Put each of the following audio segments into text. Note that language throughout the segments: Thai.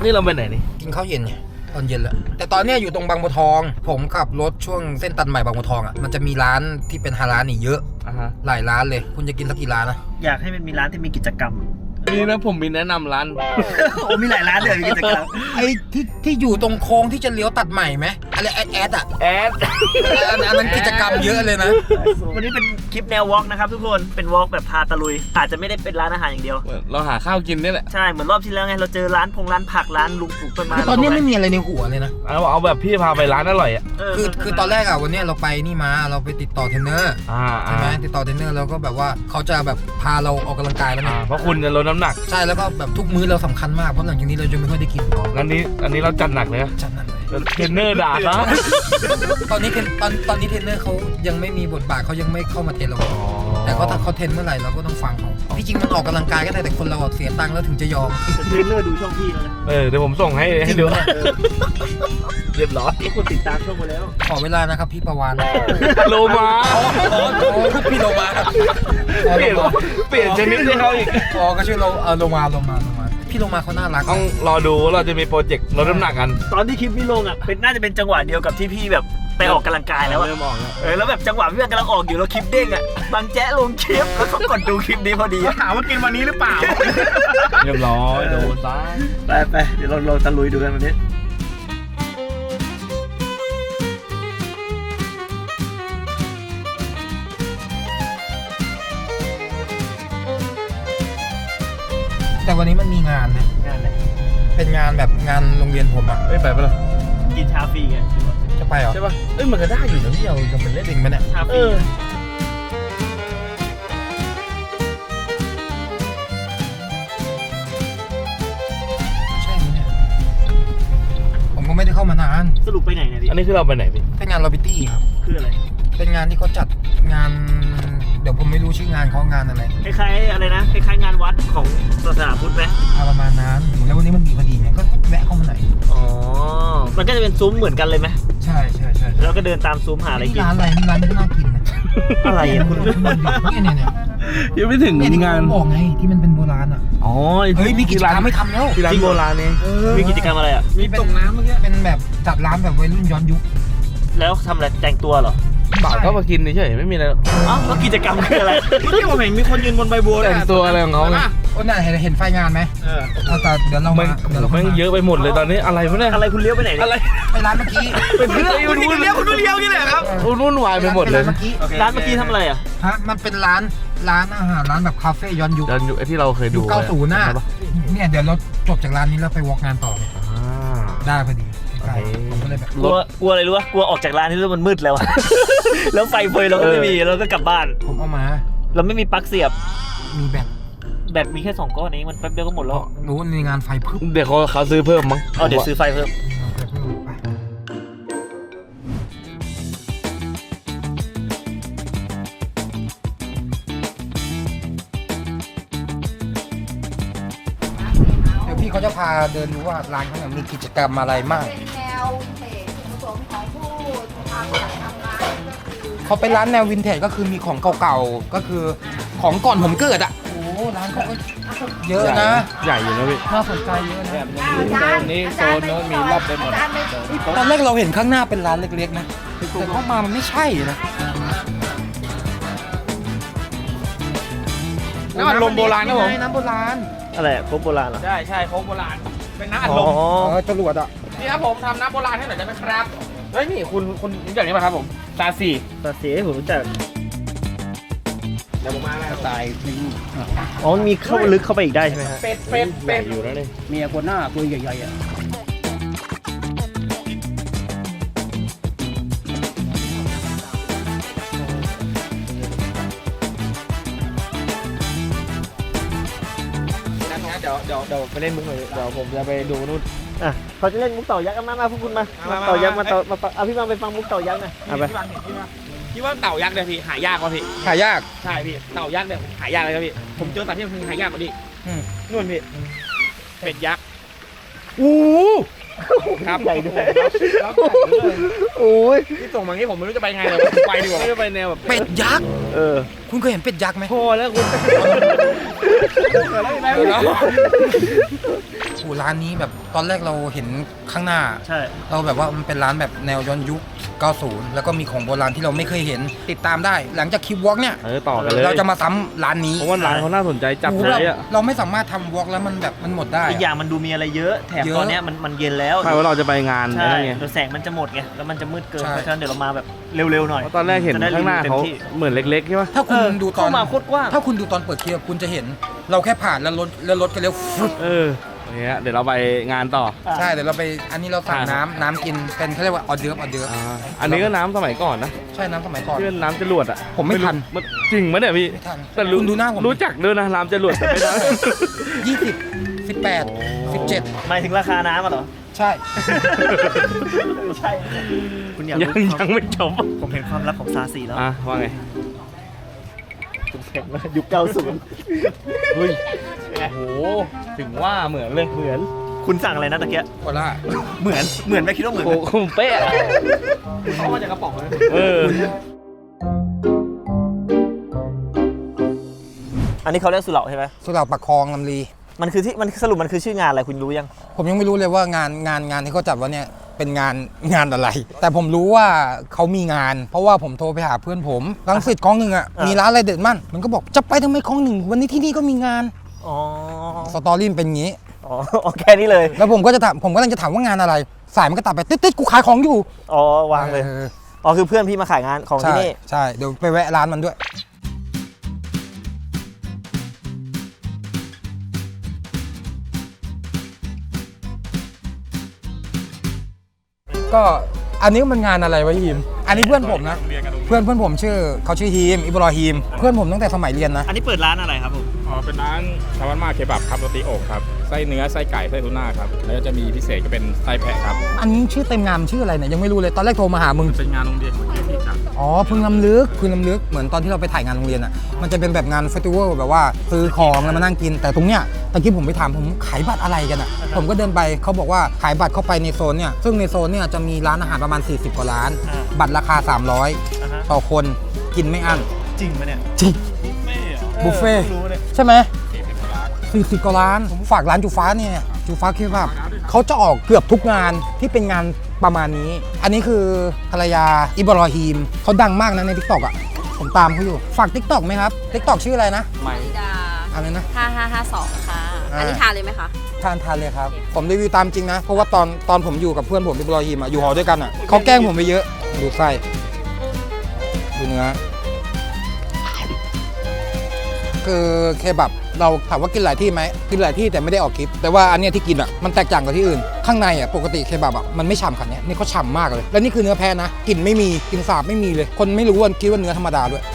นี่เราไปไหนนี่กินข้าวเย็นไงตอนเย็นแล้วแต่ตอนเนี้ยอยู่ตรงบางบัวทองผมขับรถช่วงเส้นตัดใหม่บางบัวทองอ่ะมันจะมีร้านที่เป็นฮาลาลนี่เยอะหลายร้านเลยคุณจะกินสักกี่ร้านนะอยากให้มันมีร้านที่มีกิจกรรมนี่นะผมมีแนะนำร้านโอ้มีหลายร้านเลยมีกิจกรรมไอ้ที่อยู่ตรงโค้งที่จะเลี้ยวตัดใหม่ไหมอะไรแอดอ่ะอันนั้นกิจกรรมเยอะเลยนะวันนี้เป็นคลิปแนววอล์กนะครับทุกคนเป็นวอล์กแบบพาตะลุยอาจจะไม่ได้เป็นร้านอาหารอย่างเดียวเราหาข้าวกินนี่แหละใช่เหมือนรอบที่แล้วไงเราเจอร้านผักร้านลุงปลูกต้นไม้ตอนนี้ไม่มีอะไรในหัวเลยนะเอาแบบพี่พาไปร้านอร่อยอ่ะคือตอนแรกอ่ะวันนี้เราไปนี่มาเราไปติดต่อเทรนเนอร์ใช่ไหมติดต่อเทรนเนอร์แล้วก็แบบว่าเขาจะแบบพาเราออกกำลังกายแล้วนะเพราะคุณจะลดน้ำหนักใช่แล้วก็แบบทุกมื้อเราสำคัญมากเพราะหลังจากนี้เราจะไม่ค่อยได้กินอันนี้เราจัดหนักเลยจัดหนักเลยเทรนเนอร์ด่าซะตอนนี้เทรนเนอร์เขายังไม่มีบทบาทเขายังไม่เข้ามาเทรนเราแต่ถ้าเขาเทรนเมื่อไหร่เราก็ต้องฟังเขาที่จริงมันออกกำลังกายก็ได้แต่คนเราเสียตังค์แล้วถึงจะยอมเทรนเนอร์ดูช่องพี่แล้วนะเดี๋ยวผมส่งให้ดูเรียบร้อยคนติดตามช่องมาแล้วขอเวลานะครับพี่ประวานโลมาพี่โลมาเปลี่ยนชนิดให้เขาอีกก็ชื่อโลมาพี่โลมาเขาน่ารักต้องรอดูว่าเราจะมีโปรเจกต์ลดน้ำหนักกันตอนที่คลิปพี่ลงอ่ะน่าจะเป็นจังหวะเดียวกับที่พี่แบบไปออกกำลังกายแล้วอะแล้วแบบจังหวะพี่กำลังออกอยู่แล้วคลิปเด้งอ่ะบางแจ๊ลงคลิปแล้วเขากดดูคลิปนี้พอดีถามว่ากินวันนี้หรือเปล่าเรียบร้อยโดนซะไปเดี๋ยวเราตะลุยดูกันวันนี้แต่วันนี้มันมีงานนะงานอะไรเป็นงานแบบงานโรงเรียนผมอ่ะไปปะล่ะกินชาฟรีไงจะไปเหรอใช่ปะมันก็ได้อยู่นะพี่เราจะเป็นเล่นจริงไหมเนี่ยชาฟรีใช่ไหมเนี่ยผมก็ไม่ได้เข้ามานานสรุปไปไหนเนี่ยพี่อันนี้คือเราไปไหนพี่เป็นงานลอบิตี้ครับคืออะไรเป็นงานที่เขาจัดงานเดี๋ยวผมไม่รู้ชื่องานเขางานอะไรคล้ายๆอะไรนะคล้ายๆงานวัดของศาสนาพุทธไหมประมาณนั้นแล้ววันนี้มันมีพอดีไงก็แวะเข้ามาหน่อยมันก็จะเป็นซุ้มเหมือนกันเลยไหมใช่แล้วก็เดินตามซุ้มหาอะไรกินร้านอะไรนี่ร้านที่น่ากินนะอะไรคุณเนี่ยยังไม่ถึงงานบอกไงที่มันเป็นโบราณอ่ะเฮ้ยมีกิจกรรมไม่ทำแล้วร้านโบราณเนี่ยมีกิจกรรมอะไรอ่ะมีตกน้ำเมื่อกี้เป็นแบบจัดร้านแบบวัยรุ่นย้อนยุคแล้วทำอะไรแต่งตัวเหรอบ่าวก็มากินเฉยไม่มีอะไรแล้วกิจกรรมคืออะไรที่ผมเห็นมีคนยืนบนใบบัวแต่งตัวอะไรของเขาไงน่ะเห็นไฟงานไหมแต่เดี๋ยวเราไม่เยอะไปหมดเลยตอนนี้อะไรวะเนี่ยอะไรคุณเลี้ยวไปไหนอะไรไปร้านเมื่อกี้เป็นเพื่อนคุณเลี้ยวกี่แหละครับวุ่นวายไปหมดเลยร้านเมื่อกี้ทำอะไรอ่ะมันเป็นร้านอาหารร้านแบบคาเฟ่ย้อนยุคที่เราเคยดู 90น่ะเนี่ยเดี๋ยวเราจบจากร้านนี้แล้วไปวอล์กงานต่อได้พอดีผมก็เลยแบบกลัวอะไรรู้ป่ะกลัวออกจากร้านนี้แล้วมันมืดแล้วแล้วไฟเฟยเราก็ไม่มีเราก็กลับบ้านผมเอามาเราไม่มีปลั๊กเสียบมีแบตมีแค่2ก้อนเองมันแป๊บเดียวก็หมดแล้วรู้ในงานไฟเพิ่มเดี๋ยวเขาซื้อเพิ่มมั้งเดี๋ยวซื้อไฟเพิ่มพี่เขาจะพาเดินดูว่าร้านเขาเนี่ยมีกิจกรรมอะไรมากเป็นแนววินเทจผสมของผู้ทำงานเขาเป็นร้านแนววินเทจก็คือมีของเก่าๆก็คือของก่อนผมเกิดอ่ะโอ้ร้านเขาก็เยอะนะใหญ่อยู่นะพี่น่าสนใจเยอะนะโซนนี้โซนโน้นมีรอบไปหมดตอนแรกเราเห็นข้างหน้าเป็นร้านเล็กๆนะแต่เข้ามามันไม่ใช่นะน้ำอัดลมโบราณนะผมน้ำโบราณอะไรโค้กโบราณเหรอใช่โค้กโบราณเป็นน้ำอัดลมจรวดอ่ะนี่ครับผมทำน้ำโบราณให้หน่อยได้ไหมครับเฮ้ยนี่คุณรู้จักนี้ป่ะครับผมซาซีผมรู้จักเดี๋ยวผมมาแล้วตายมีเข้าลึกเข้าไปอีกได้ใช่ไหมครับเป็ดอยู่แล้วนี่เมียคนหน้าตัวใหญ่ๆอ่ะเดี๋ยวไปเล่นมุกหน่อยเดี๋ยวผมจะไปดูนู่นเขาจะเล่นมุกเต่ายักษ์มาพวกคุณมาเต่ายักษ์มาพี่มาไปฟังมุกเต่ายักษ์นะไปพี่ว่าเต่ายักษ์เนี่ยพี่หายากกว่าพี่หายากใช่พี่เต่ายักษ์เนี่ยหายากเลยครับพี่ผมเจอแต่ที่มันหายากกว่าดินู่นพี่เป็ดยักษ์ครับใหญ่ด้วยโอ้ยที่ส่งมางี้ผมไม่รู้จะไปไงเลยไปดีกว่าไม่ไปแนวแบบเป็ดยักษ์คุณเคยเห็นเป็ดยักษ์ไหมพอแล้วคุณโอ้ร้านนี้แบบตอนแรกเราเห็นข้างหน้าใช่เราแบบว่ามันเป็นร้านแบบแนวย้อนยุค 90 แล้วก็มีของโบราณที่เราไม่เคยเห็นติดตามได้ หลังจากคลิปวอล์กเนี่ยต่อกันเลยเราจะมาซ้ำร้านนี้เพราะว่าร้านเขาน่าสนใจจับโอ้เลโหยอ่ะเราไม่สามารถทำวอล์กแล้วมันแบบมันหมดได้อีกอย่างมันดูมีอะไรเยอะ แถมเยอะตอนเนี้ยมันเย็นแล้วใช่ว่าเราจะไปงานใช่อะไรไงเดี๋ยวแสงมันจะหมดไง แล้วมันจะมืดเกินใช่เพราะฉะนั้นเดี๋ยวเรามาแบบเร็วๆหน่อยเพราะตอนแรกเห็นจะได้ข้างหน้าเขารีวิวเต็มที่เหมือนเล็กๆใช่ปะถ้าคุณดูตอนเข้ามาโคตรกว้างถ้าคุณดูตอนเปิดคลิปคุณจะเห็น เราแค่ผ่านแล้วรถก็เลี้ยวฟึ๊บอย่างเงี้ยเดี๋ยวเราไปงานต่อใช่เดี๋ยวเราไปอันนี้เราสั่งอ่าน้ำกินเป็นเขาเรียกว่าออเดิร์ฟอันนี้ก็น้ำสมัยก่อนนะใช่น้ำสมัยก่อนที่เป็นน้ำจรวดอ่ะผมไม่ทันรู้จริงไหมเนี่ยพี่ไม่ทันแต่คุณดูหน้าผมรู้จักด้วยนะน้ำจรวดแต่ไม่ทัน 20 18 17 หมายถึงราคาน้ำอ่ะเหรอใช่ไม่ใช่ คุณอยากยังรู้ยังไม่จบผมเห็นความลับของซาซีแล้วว่าไงคุณเห็นว่ายุค 90 เฮ้ยโอ้โหถึงว่าเหมือนเลยเหมือน คุณสั่งอะไรนะตะเกียะโคล่าเหมือนไหมคิดว่าเหมือนโอ้ไหมโหเป๊ะเขามาจากกระป๋องเลย อันนี้เขาเรียกสุเหร่าใช่ไหมสุเหร่าปักคลองลำลีมันคือที่มันสรุปมันคือชื่องานอะไรคุณรู้ยังผมยังไม่รู้เลยว่างานที่เขาจัดว่าเนี่ยเป็นงานอะไร แต่ผมรู้ว่าเขามีงาน เพราะว่าผมโทรไปหาเพื่อนผมรังสิตคลองหนึ่งอ่ะมีร้านอะไรเด็ดมั่นมันก็บอกจะไปทำไมคลองหนึ่งวันนี้ที่นี่ก็มีงานอ๋อสตอรี่มันเป็นงี้อ๋อแค่นี้เลยแล้วผมก็กำลังจะถามว่างานอะไร สายมันก็ตัดไปติดกูขายของอยู่อ๋อวางเลย อ๋อคือเพื่อนพี่มาขายงานของที่ใช่นี่ใช่เดี๋ยวไปแวะร้านมันด้วย ก็อันนี้มันงานอะไรวะฮีมอันนี้เพื่อนผมนะเพื่อนผมเขาชื่อฮีมอิบรอฮีมเพื่อนผมตั้งแต่สมัยเรียนนะอันนี้เปิดร้านอะไรครับผมอ๋อเป็นร้านชาวบ้านมาเคบับครับโรตีอกครับไส้เนื้อไส้ไก่ไส้ทูน่าครับแล้วก็จะมีพิเศษก็เป็นไส้แพะครับอันนี้ชื่อเต็มงานชื่ออะไรเนี่ยยังไม่รู้เลยตอนแรกโทรมาหามึงเป็นงานโรงเรียนของพี่ครับอ๋อพึงลำลึกเหมือนตอนที่เราไปถ่ายงานโรงเรียนอ่ะมันจะเป็นแบบงานเฟสติวัลแบบว่าซื้อของแล้วมานั่งกิน แต่ตรงเนี้ยตะกี้ผมไปถามผมขายบัตรอะไรกันอ่ะผมก็เดินไปเขาบอกว่าขายบัตรเข้าไปในโซนเนี่ยซึ่งในโซนเนี่ยจะมีร้านอาหารประมาณ40กว่าร้าน บัตรราคา300ต่อคนกินไม่อั้นจริงไหมเนี่ยจริงบุฟเฟ่ต์รู้เลยใช่ไหม40กว่าร้านผมฝากร้านจูฟ้าเนี่ยจูฟ้าเคบับเขาจะออกเกือบทุกงานที่เป็นงานประมาณนี้ อันนี้คือภรรยาอิบรอฮีมเขาดังมากนะใน TikTok อ่ะผมตามเขาอยู่ฝาก TikTok ไหมครับ TikTok ชื่ออะไรนะธิดาอะไรนะ 5552 ค่ะอ่าอันนี้ทานเลยไหมคะทานเลยครับ ผมรีวิวตามจริงนะ เพราะว่าตอนผมอยู่กับเพื่อนผมอิบรอฮีมอะอยู่หอด้วยกันอ่ะเขาแกล้งผมไปเยอะดูไส้ดูเนื้อคือเคบับเราถามว่ากินหลายที่ไหมกินหลายที่แต่ไม่ได้ออกคลิป แต่ว่าอันเนี้ยที่กินอ่ะมันแตกต่างกับที่อื่น ข้างในอ่ะปกติเคบับอ่ะมันไม่ฉ่ำขนาดเนี้ยนี่เขาฉ่ำมากเลย แล้วนี่คือเนื้อแพะนะกลิ่นไม่มีกลิ่นสาบไม่มีเลย คนไม่รู้ว่าคิดว่าเนื้อธรรมดาด้วย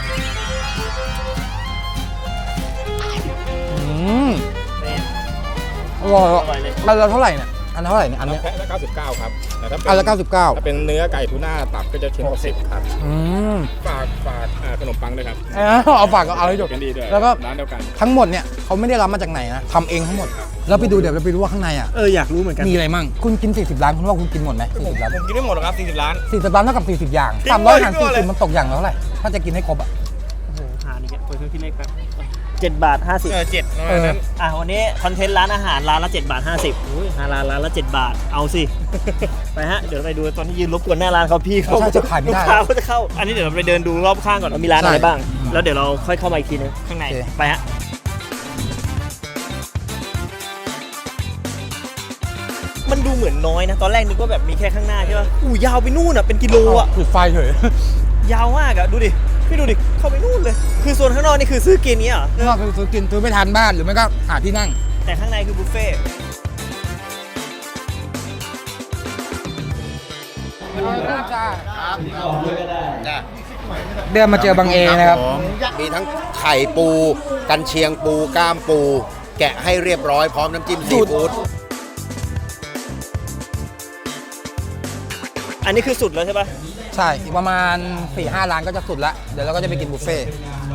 อร่อยอ่ะอร่อยเลยอันละเท่าไหร่เนี่ยอันละเท่าไหร่เนี่ยอันเนี้ยแพะละ99ครับแต่ถ้าเป็นอันละ99 ถ้าเป็นเนื้อไก่ทูน่าตับก็จะชิ้น60ครับอืมฝากขนมปังด้วยครับเอาฝากเอาให้จบกันดีด้วยแล้วก็ร้านเดียวกันทั้งหมดเนี่ยเขาไม่ได้รับมาจากไหนนะทำเองทั้งหมดแล้วไปดูเดี๋ยวเราไปดูว่าข้างในอ่ะอยากรู้เหมือนกันมีอะไรมั่งคุณกิน40 ล้านคุณว่าคุณกินหมดไหม40 ล้านผมกินไม่หมดหรอกครับ40 ล้าน 40 ล้านเท่ากับ40 อย่างจริง 300หารด้วย 40มันตกอย่างละเท่าไหร่ถ้าจะกินให้ครบอ่ะโอ้โหหานี่แกเปิดเครื่องคิดเลขแป๊บ7 บาท 50 7 เออวันนี้คอนเทนต์ร้านอาหารร้านละ7 บาท 50อุ้ยร้านละ7 บาทเอาสิ ไปฮะเดี๋ยวไปดูตอนที่ยืนรบกวนหน้าร้านเขาพี่เขาใช่จะขายไม่ได้ลูกค้าเขาจะเข้า อันนี้เดี๋ยวเราไปเดินดูรอบข้างก่อนว่ามีร้านอะไรบ้าง แล้วเดี๋ยวเราค่อยเข้ามาอีกทีนึงข้างในโอเคไปฮะมันดูเหมือนน้อยนะ ตอนแรกนึกว่าแบบมีแค่ข้างหน้าใช่ป่ะอู้ยาวไปนู่นอ่ะเป็นกิโลอ่ะจุดไฟเฉยยาวมากอ่ะดูดิพี่ดูดิเข้าไปนู่นเลย คือโซนข้างนอกนี่คือซื้อกินเนี้ยเหรอนอกจากซื้อกินซื้อไปทานบ้านหรือไม่ก็หาที่นั่งแต่ข้างในคือบุฟเฟ่ต์เดินมาเจอบางเอนะครับมีทั้งไข่ปู กันเชียงปูก้ามปู แกะให้เรียบร้อยพร้อมน้ำจิ้มซีฟู้ดอันนี้คือสุดแล้วใช่ป่ะใช่อีกประมาณ 4-5 ล้านก็จะสุดละเดี๋ยวเราก็จะไปกินบุฟเฟ่ต์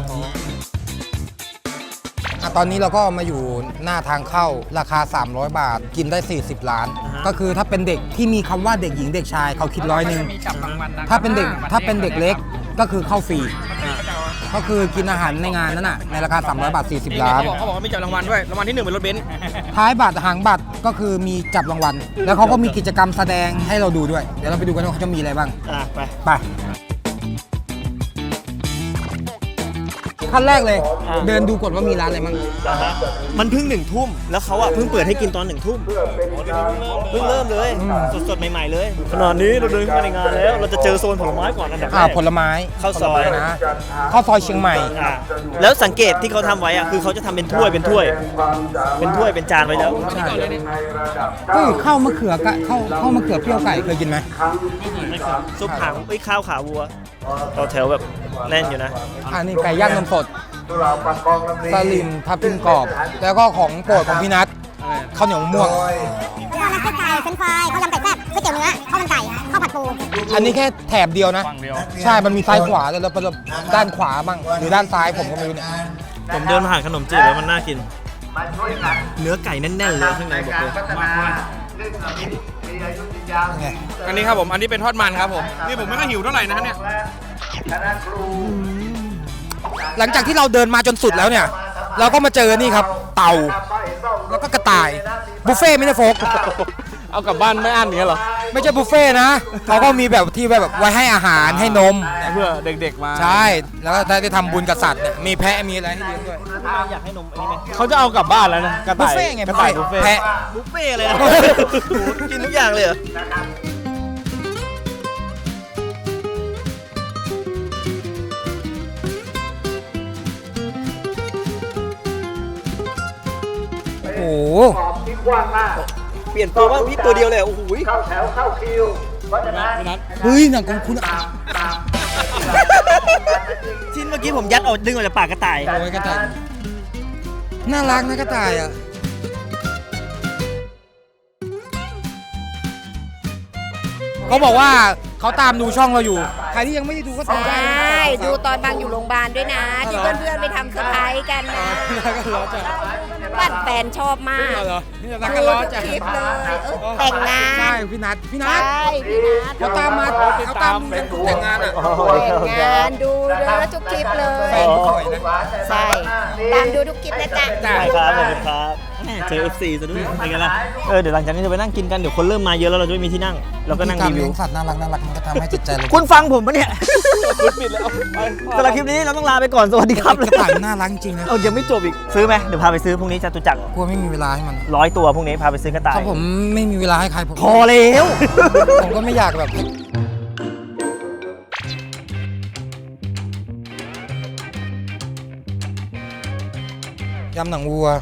ตอนนี้เราก็มาอยู่หน้าทางเข้าราคา 300 บาทกินได้ 40 ล้าน ก็คือถ้าเป็นเด็กที่มีคำว่าเด็กหญิงเด็กชายเขาคิด100 ถ้าเป็นเด็กเล็กก็คือเข้าฟรีก็คือกินอาหารในงานนั้นน่ะในราคา300 บาท 40 ล้านเขาบอกว่ามีจับรางวัลด้วยรางวัลที่1เป็นรถเบนซ์ท้ายบัตรหางบัตรก็คือมีจับรางวัล แล้วเขาก็มีกิจกรรมแสดงให้เราดูด้วย เดี๋ยวเราไปดูกันว่าเขาจะมีอะไรบ้างไปไปขั้นแรกเลย เดินดูก่อนว่ามีร้านอะไรบ้างมันเพิ่ง1 ทุ่มแล้วเขาเพิ่งเปิดให้กินตอน1 ทุ่มเพิ่งเริ่มเลยสดๆใหม่ๆเลยขณะนี้เราเดินเข้ามาในงานแล้วเราจะเจอโซนผลไม้ก่อนอันดับแรกผลไม้ข้าวซอยผลไม้นะข้าวซอยเชียงใหม่แล้วสังเกตที่เขาทำไว้คือเขาจะทำเป็นถ้วยเป็นจานไว้แล้วใช่ข้าวมะเขือกะข้าวมะเขือเปรี้ยวไก่เคยกินไหมซุปหางข้าวขาวัวต่อแถวแบบแน่นอยู่นะอันนี้ไก่ย่างนมสดสลิมทับทิมกรอบ แล้วก็ของโปรดของพี่นัทข้าวเหนียวมะม่วงข้าวมันไก่เฟรนช์ฟรายข้าวยำไก่แซ่บก๋วยเตี๋ยวเนื้อข้าวมันไก่ข้าวผัดปูอันนี้แค่แถบเดียวนะ ใช่ มันมีซ้ายขวาแล้วด้านขวาบ้างหรือด้านซ้ายผมก็ไม่รู้เนี่ยผมเดินผ่านขนมจีบแล้วมันน่ากิน เนื้อไก่แน่นๆเลยข้างในบอกเลยไงอันนี้ครับผมอันนี้เป็นทอดมันครับผมนี่ผมไม่ค่อยหิวเท่าไหร่นะเนี่ยหลังจากที่เราเดินมาจนสุดแล้วเนี่ย เราก็มาเจอนี่ครับ เต่า แล้วก็กระต่าย บุฟเฟ่ต์ไม่ได้โฟกเอากลับบ้านไม่อั้นอย่างเงี้ยหรอไม่ใช่บุฟเฟ่ต์นะ เขาก็มีแบบที่แบบไว้ให้อาหารให้นมเพื่อเด็กๆมาใช่ แล้วก็ได้ทำบุญกับสัตว์เนี่ยมีแพะมีอะไรให้เลี้ยงด้วยอยากให้นมอันนี้ไหมเขาจะเอากลับบ้านแล้วนะกระบุต่าฟยเฟ่ต์ไงกระต่ายบุฟเฟ่ต์แพะบุฟเฟ่เลยนะ กินทุกอย่างเลยเหรอโอ้โหเปลี่ยนตัวบ้างพี่ตัวเดียวเลยโอ้โหเฮ้ยหนังของคุณอ่ะชิ้นเมื่อกี้ผมยัดดึงออกจากปากกระต่ายโอ้ยกระต่ายน่ารักนะกระต่ายอ่ะเขาบอกว่าเขาตามดูช่องเราอยู่ ใครที่ยังไม่ได้ดูก็ตามได้นะใช่ดูตอนบางอยู่โรงพยาบาลด้วยนะ ที่เพื่อนๆไปทำเซอร์ไพรส์กันนะแล้วก็ล้อจัดบ้านแฟนชอบมากเหรอนี่รักกันล้อจัดคลิปเลยแต่งงานใช่พี่นัทพี่นัใช่ทพี่นัทเขาตามมาเขาตามดูกันแต่งงานอ่ะแต่งงานดูเลยทุกคลิปเลยแฟนสวยนะใช่ตามดูทุกคลิปนะจ๊ะได้ครับขอบคุณครับแหม่เจอ FC ซะด้วยเป็นไงล่ะเดี๋ยวหลังจากนี้จะไปนั่งกินกันเดี๋ยวคนเริ่มมาเยอะแล้วเราจะไม่มีที่นั่งเราก็นั่งการรีวิเลี้วยงสัตว์น่ารักมันก็ทำให้จิตใจเราคุณฟังผมปะเนี่ยคุณปิดแล้วสำหรับคลิปนี้เราต้องลาไปก่อนสวัสดีครับกระต่ายมันน่ารักจริงนะเอายังไม่จบอีกซื้อไหมเดี๋ยวพาไปซื้อพรุ่งนี้จตุจักรกลัวไม่มีเวลาให้มัน 100 ตัวพรุ่งนี้พาไปซื้อกระต่ายถ้าผมไม่มีเวลาให้ใครผมพอแล้วผมก็ไม่อยากแบบยำหนังวัว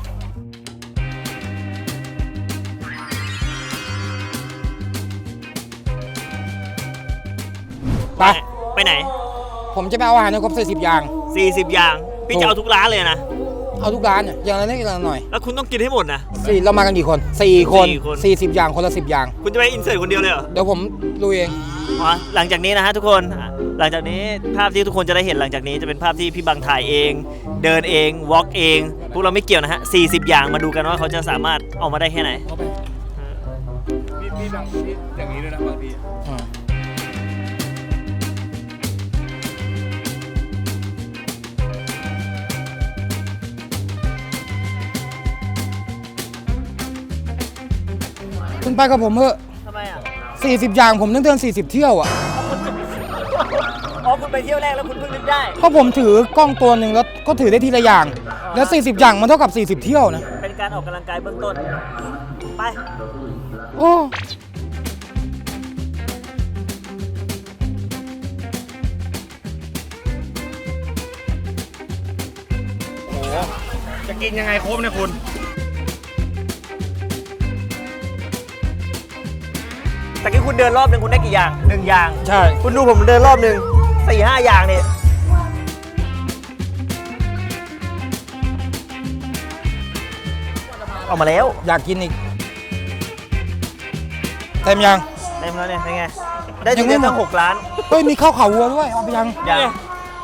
ไปไปไหนผมจะไปเอาอาหารในครบ40 อย่าง 40 อย่างพี่จะเอาทุกร้านเลยนะเอาทุกร้านเนี่ยอย่างละนิดอย่างละหน่อยแล้วคุณต้องกินให้หมดนะเรามากันกี่คน4 คน 4 คน 40 อย่างคนละ10 อย่างคุณจะไปอินเสิร์ตคนเดียวเลยเหรอเดี๋ยวผมลุยเองอ๋อหลังจากนี้นะฮะทุกคน หลังจากนี้ภาพที่ทุกคนจะได้เห็นหลังจากนี้จะเป็นภาพที่พี่บังถ่ายเอง เดินเองวอล์กเอง พวกเราไม่เกี่ยวนะฮะ40 อย่างมาดูกันว่าเขาจะสามารถออกมาได้แค่ไหนพี่อย่างนี้ด้วยนะบางทีคุณไปกับผมเถอะทำไมอ่ะ 40 อย่างผมต้องเดิน40 เที่ยวอ่ะอ๋อคุณไปเที่ยวแรกแล้วคุณเพิ่งนึกได้เพราะผมถือกล้องตัวหนึ่งแล้วก็ถือได้ทีละอย่าง แล้ว 40 อย่างมันเท่ากับ 40 เที่ยวนะเป็นการออกกำลังกายเบื้องต้น ไปโอ้จะกินยังไงโค้งเนี่ยคุณแต่กี้คุณเดินรอบหนึ่งคุณได้กี่อย่าง1 อย่างใช่คุณดูผมเดินรอบหนึ่ง4-5 อย่างเนี่ยออกมาแล้วอยากกินอีกเต็มยังเต็มแล้วเนี่ยเป็นไง ได้ยัถึงงไม่ได้หมดตั้ง6 ล้านเฮ้ยมีข้าวขาวัวด้วยเอาไปยังอย่าง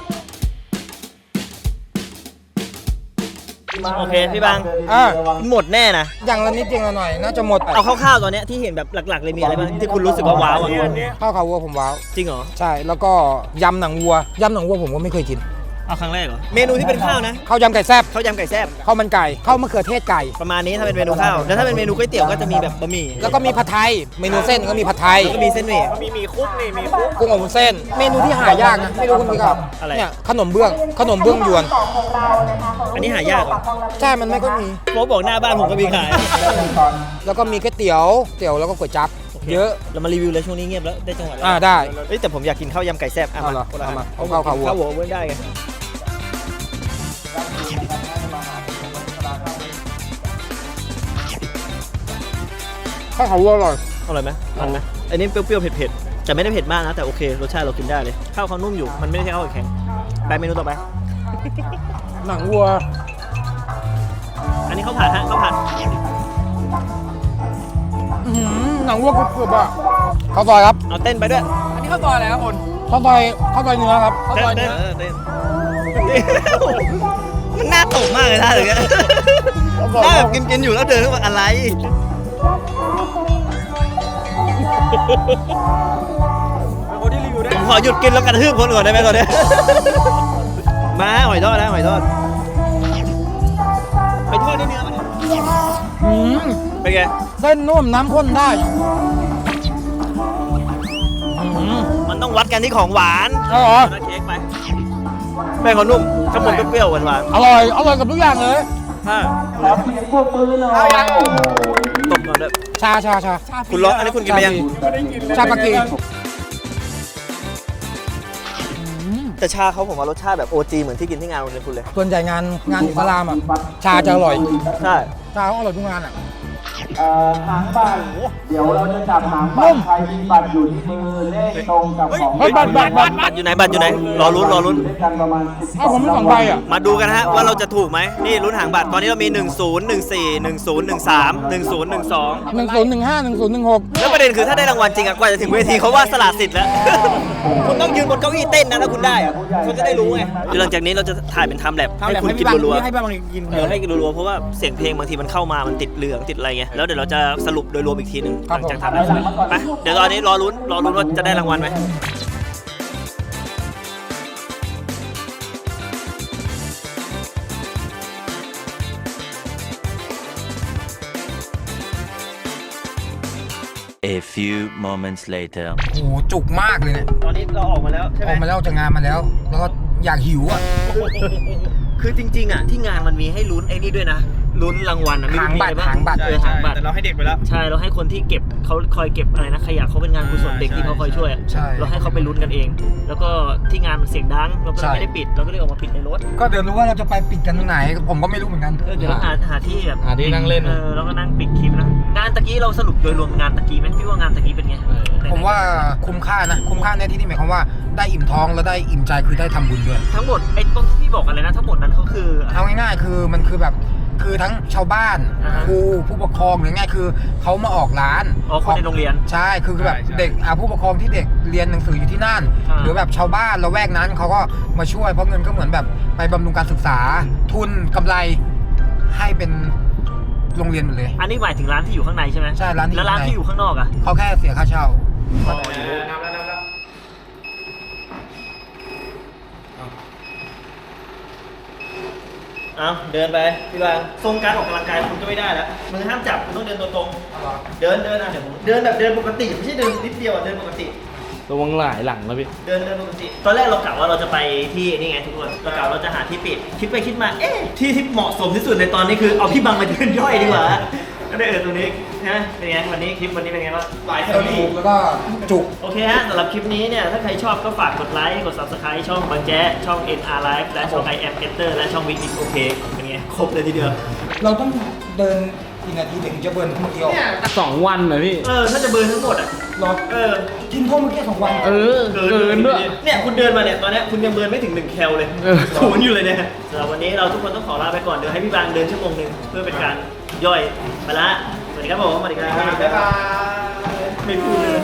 โอเคพี่บังอ่าหมดแน่นะอย่างละนิดอย่างละหน่อยน่าจะหมดเอาคร่าวๆตอนเนี้ยที่เห็นแบบหลักๆเลยมีอะไรบ้างที่คุณรู้สึกว่าว้าวอ่ะข้าวขาวัวผมว้าวจริงเหรอใช่แล้วก็ยำหนังวัวยำหนังวัวผมก็ไม่เคยกินเอาครั้งแรกเหรอเมนูที่เป็นข้าวนะข้าวยำไก่แซ่บข้าวยำไก่แซ่บข้าวมันไก่ข้าวมะเขือเทศไก่ประมาณนี้ถ้าเป็นเมนูข้าวแล้วถ้าเป็นเมนูก๋วยเตี๋ยวก็จะมีแบบบะหมี่แล้วก็มีผัดไทยเมนูเส้นก็มีผัดไทยแล้วก็มีเส้นหมี่มีหมี่คุกนี่มีคุกกุ้งอบวุ้นเส้น เมนูที่หายากนะไม่รู้คุณพี่ครับอะไรเนี่ยขนมเบื้องยวนอันนี้หายากเหรอใช่มันไม่ก็มีโป๊บอกหน้าบ้านผมก็มีขายแล้วก็มีก๋วยเตี๋ยวแล้วก็ก๋วยจั๊บเยอะเรามารีวิวเลยช่วงนี้เงียบแล้วได้จังหวะแล้วได้เฮ้ยแต่ผมอยากกินข้าวยำไก่แซ่บเอาเหรอคนละเอามาอันเอาข้าวขาวัวข้าวหัวเว้นได้ไงข้าวขาวัวอร่อยอร่อยไหมมันไหมอันนี้เปรี้ยวๆเผ็ดๆแต่ไม่ได้เผ็ดมากนะแต่โอเครสชาติเรากินได้เลยข้าวเขานุ่มอยู่มันไม่ได้ใช่ข้าวแข็งไปเมนูต่อไปหนังวัวอันนี้ข้าวผัดฮะข้าวผัดหนังวัวกรุบๆอ่ะข้าวซอยครับเอาเต้นไปด้วยอันนี้ข้าวซอยแล้วคุณข้าวซอยเนื้อครับข้าวซอยเต้เนื้นอเต้นมันน่าตกมากเลยท่าอย่างเงี้ยหน้าแบบกินอยู่แล้วเดินเข้ามาอะไรผมขอหยุดกินแล้วกระทืบคนก่อนได้ไหมตอนนี้มาหอยทอดนะหอยทอดหอยทอดนี่เนื้อมัน เป็นไงเส้นนุ่มน้ำข้นได้มันต้องวัดกันที่ของหวานอร่อยแล้วเค้กไปแป้งเขานุ่มข้างบนเปรี้ยวๆหวานอร่อยกับทุกอย่างเลยๆถ้าตบก่อนด้วยชาคุณร้อนอันนี้คุณกินไปยังชาปากีแต่ชาเขาผมว่ารสชาติแบบ OG เหมือนที่กินที่งานโรงเรียนคุณเลยส่วนใหญ่งานอิสลามอ่ะชาจะอร่อยใช่ชาเขาอร่อยทุกงานอ่ะหางบัตรเดี๋ยวเราจะจับหางบัตรใครมีบัตรอยู่ที่มือเลขตรงกับของเฮ้ยบัตรบัตรอยู่ไหนบัตรอยู่ไหนรอลุ้นด้วยกันประมาณถ้าผมมี2 ใบอ่ะมาดูกันฮะว่าเราจะถูกไหมนี่ลุ้นหางบัตรตอนนี้เรามี 10 14 10 13 10 12 1015 1016 แล้วประเด็นคือถ้าได้รางวัลจริงอะกว่าจะถึงเวทีเขาว่าสละสิทธิ์แล้ว คุณต้องยืนบนเก้าอี้เต้นนะถ้าคุณได้อะคุณจะได้รู้ไงหลังจากนี้เราจะถ่ายเป็นไทม์แลปให้คุณกินรัวๆให้บ้างกินให้กินรัวๆเพราะว่าเสียงเพลงบางทีมันเข้ามามันติดเหลืองติดอะไรไงแล้วเดี๋ยวเราจะสรุปโดยรวมอีกทีหนึงหลังจากทำแล้วไปเดี๋ยวตอนนี้รอลุ้นว่าจะได้รางวัลไหม A few moments later. โอ้โหจุกมากเลยเนี่ยตอนนี้เราออกมาแล้วใช่ไหอมอกมาแล้วจากงานมาแล้ว แล้วก็อยากหิวอ่ะคือจริงๆอ่ะที่งานมันมีให้ลุ้นไอ้นี่ด้วยนะลุ้นรางวัลนะหางบัตรมีอะไรหางบัตรเออหางบัตรแต่เราให้เด็กไปแล้วใช่เราให้คนที่เก็บเขาคอยเก็บอะไรนะขยะเขาเป็นงานกุศลเด็กที่เขาคอยช่วยอะใช่เราให้เขาไปลุ้นกันเอง แล้วก็ที่งานมันเสียงดังเราก็เลยไม่ได้ปิดเราก็เลยออกมาปิดในรถก็เดี๋ยวรู้ว่าเราจะไปปิดกันตรงไหน ผมก็ไม่รู้เหมือนกันเดี๋ยวหาที่แบบหาที่นั่งเล่นแล้วก็นั่งปิดคลิปนะงานตะกี้เราสรุปโดยรวมงานตะกี้ไหมพี่ว่างานตะกี้เป็นไงผมว่าคุ้มค่านะคุ้มค่าในที่นี้หมายความว่าได้อิ่มท้องแล้วได้อิ่มใจคือได้ทำบุญด้วยทั้งหมดไอ้ต้นที่พี่บอกอะไรนะทั้งหมดนั้นเขาคือเอาง่ายๆคือมันคือแบบคือทั้งชาวบ้านอ่าฮะครูผู้ปกครองหรือง่ายคือเขามาออกร้านอ๋อคนในโรงเรียนใช่คือแบบเด็กผู้ปกครองที่เด็กเรียนหนังสืออยู่ที่นั่นอ่าหรือแบบชาวบ้านละแวกนั้นเขาก็มาช่วยเพราะเงินก็เหมือนแบบไปบำรุงการศึกษา ทุนกำไรให้เป็นโรงเรียนหมดเลยอันนี้หมายถึงร้านที่อยู่ข้างในใช่ไหมใช่ร้านที่แล้วร้านที่อยู่ข้างนอกอ่ะเขาแค่เสียค่าเช่าเอาเดินไปพี่บางทรงการออกกำลังกายคุณก็ไม่ได้แล้วมือห้ามจับคุณต้องเดินตัวตรงเดินอ่ะเดี๋ยวผมเดินแบบเดินปกติไม่ใช่เดินนิดเดียวอ่ะเดินปกติระวังหลายหลังแล้วพี่เดินปกติ ตอนแรกเรากะว่าเราจะไปที่นี่ไงทุกคนเรากะเราจะหาที่ปิด คิดไปคิดมา เอ๊ะที่เหมาะสมที่สุดในตอนนี้คือเอาพี่บังมาเดินย่อยดีกว่า ก็ได้ตรงนี้นะเป็นไงวันนี้คลิปวันนี้เป็นไงบ้างหลายเท่านี้แล้วก็จุกโอเคฮะสำหรับคลิปนี้เนี่ยถ้าใครชอบก็ฝากกดไลค์กด subscribe ช่องบางแจ๊ะช่อง NR Live และช่อง I Am Enter และช่อง Win Is OK เป็นไงครบเลยทีเดียวเราต้องเดินกี่นาทีถึงจะเบิร์นเมื่อกี้ออก 2 วันเลยพี่ถ้าจะเบิร์นทั้งหมดอ่ะรอ กินเท่าเมื่อกี้2 วันเกินด้วยเนี่ยคุณเดินมาเนี่ยตอนเนี้ยคุณยังเบิร์นไม่ถึง1 แคลเลยศูนย์อยู่เลยเนี่ยสำหรับวันนี้เราทุกคนต้องขอลาไปก่อนเดี๋ยวให้พี่บางเดินชั่วโมงนึงเพื่อเป็นการย่อยไปละสวัสดีครับผมสวัสดีครับบ๊ายบายไม่พูดเลย